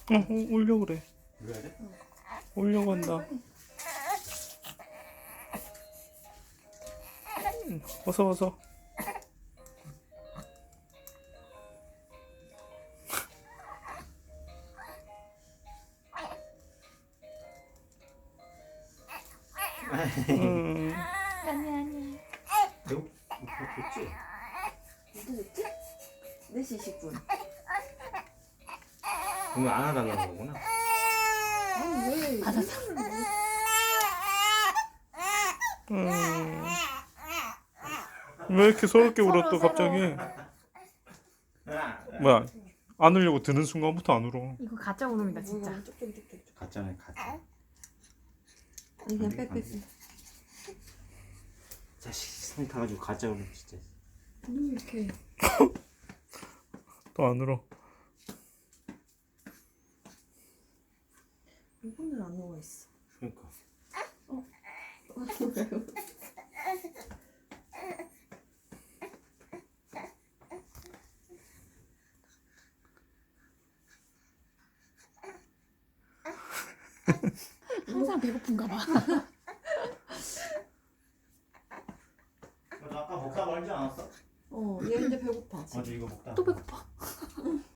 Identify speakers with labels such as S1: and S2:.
S1: 오려고 그래.
S2: 올려야 돼?
S1: 오려고 한다. 어서 어서.
S3: 아니.
S2: 배고 좋지?
S3: 무슨 됐지? 4시 20분.
S2: 그러면 안 하달라는 거구나.
S3: 아니 왜?
S4: 받았어.
S1: 왜 이렇게 서럽게 울어 또 갑자기? 뭐야? 안 울려고 드는 순간부터 안 울어.
S4: 이거 가짜 울음이다 진짜.
S3: 쪽쪽쪽쪽.
S2: 가짜네 가짜.
S3: 그냥
S2: 안 돼,
S3: 빼빼.
S2: 안 돼. 자식 손 타가지고 가짜 울음 진짜.
S3: 왜 이렇게?
S1: 또 안 울어.
S3: 이거는 안 녹아 있어.
S2: 그러니까.
S4: 항상 배고픈가 봐.
S2: 너 아까 먹다 말지 않았어?
S3: 얘 이제 배고파.
S2: 어제 이거 먹다.
S4: 또 배고파.